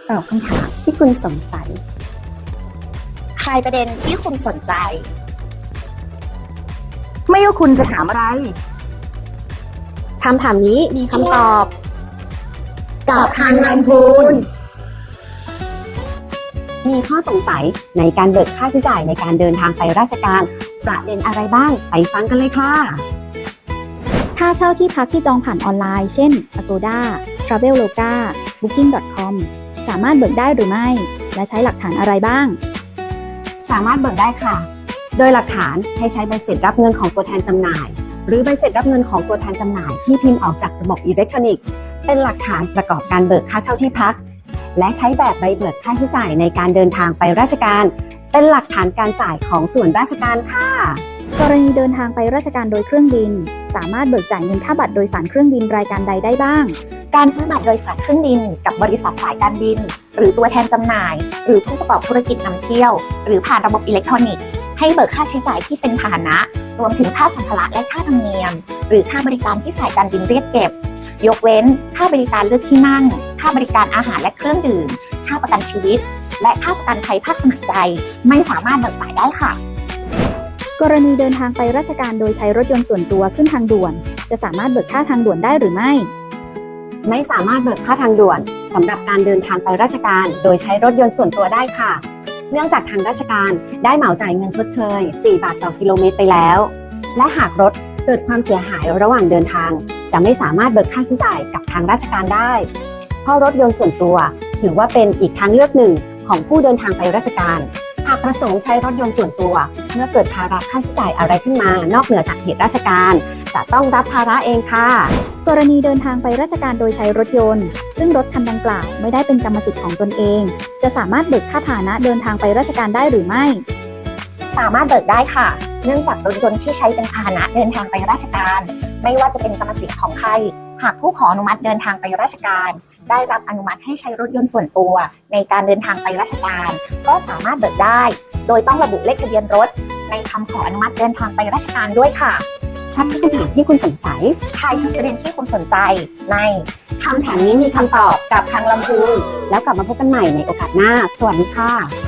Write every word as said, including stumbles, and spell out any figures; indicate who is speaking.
Speaker 1: ตอบคำถามที่คุณสงสัย
Speaker 2: คลายประเด็นที่คุณสนใจ
Speaker 1: ไม่ว่าคุณจะถามอะไรคำถามนี้มีคำตอบกับทางลำพูนมีข้อสงสัยในการเบิกค่าใช้จ่ายในการเดินทางไปราชการประเด็นอะไรบ้างไปฟังกันเลยค่ะ
Speaker 3: ค่าเช่าที่พักที่จองผ่านออนไลน์เช่น Agoda, Traveloka,บุคกิ้ง ดอท คอม สามารถเบิกได้หรือไม่และใช้หลักฐานอะไรบ้าง
Speaker 1: สามารถเบิกได้ค่ะโดยหลักฐานให้ใช้ใบเสร็จรับเงินของตัวแทนจำหน่ายหรือใบเสร็จรับเงินของตัวแทนจำหน่ายที่พิมพ์ออกจากระบบอิเล็กทรอนิกส์เป็นหลักฐานประกอบการเบิกค่าเช่าที่พักและใช้แบบใบเบิกค่าใช้จ่ายในการเดินทางไปราชการเป็นหลักฐานการจ่ายของส่วนราชการค่ะ
Speaker 3: กรณีเดินทางไปราชการโดยเครื่องบินสามารถเบิกจ่ายเงินค่าบัตรโดยสารเครื่องบินรายการใดได้บ้าง
Speaker 2: การซื้อบัตรโดยสารเครื่องบินกับบริษัทสายการบินหรือตัวแทนจำหน่ายหรือผู้ประกอบธุรกิจนำเที่ยวหรือผ่านระบบอิเล็กทรอนิกส์ให้เบิกค่าใช้จ่ายที่เป็นพาหนะรวมถึงค่าสัมภาระและค่าธรรมเนียมหรือค่าบริการที่สายการบินเรียกเก็บยกเว้นค่าบริการเลือกที่นั่งค่าบริการอาหารและเครื่องดื่มค่าประกันชีวิตและค่าประกันภัยภาคสมัครใจไม่สามารถเบิกจ่ายได้ค่ะ
Speaker 3: กรณีเดินทางไปราชการโดยใช้รถยนต์ส่วนตัวขึ้นทางด่วนจะสามารถเบิกค่าทางด่วนได้หรือไม่
Speaker 1: ไม่สามารถเบิกค่าทางด่วนสำหรับการเดินทางไปราชการโดยใช้รถยนต์ส่วนตัวได้ค่ะเนื่องจากทางราชการได้เหมาจ่ายเงินชดเชยสี่บาทต่อกิโลเมตรไปแล้วและหากรถเกิดความเสียหายระหว่างเดินทางจะไม่สามารถเบิกค่าใช้จ่ายกับทางราชการได้เพราะรถยนต์ส่วนตัวถือว่าเป็นอีกทางเลือกหนึ่งของผู้เดินทางไปราชการหากประสงค์ใช้รถยนต์ส่วนตัวเมื่อเกิดภาระค่าใช้จ่ายอะไรขึ้นมานอกเหนือจากเหตุราชการจะต้องรับภาระเองค่ะ
Speaker 3: กรณีเดินทางไปราชการโดยใช้รถยนต์ซึ่งรถคันดังกล่าวไม่ได้เป็นกรรมสิทธิ์ของตนเองจะสามารถเบิกค่าพาหนะเดินทางไปราชการได้หรือไม่
Speaker 2: สามารถเบิกได้ค่ะเนื่องจากรถยนต์ที่ใช้เป็นพาหนะเดินทางไปราชการไม่ว่าจะเป็นกรรมสิทธิ์ของใครหากผู้ขออนุมัติเดินทางไปราชการได้รับอนุมัติให้ใช้รถยนต์ส่วนตัวในการเดินทางไปราชการก็สามารถเบิกได้โดยต้องระบุเลขทะเบียนรถในคำขออนุมัติเดินทางไปราชการด้วยค่ะ
Speaker 1: ชัดทุกคำถามที่คุณสงสัย
Speaker 2: ใครทุกประเด็นที่คุณสนใจใน
Speaker 1: คำถามนี้มีคำตอบกับทางลำพูนแล้วกลับมาพบกันใหม่ในโอกาสหน้าสวัสดีค่ะ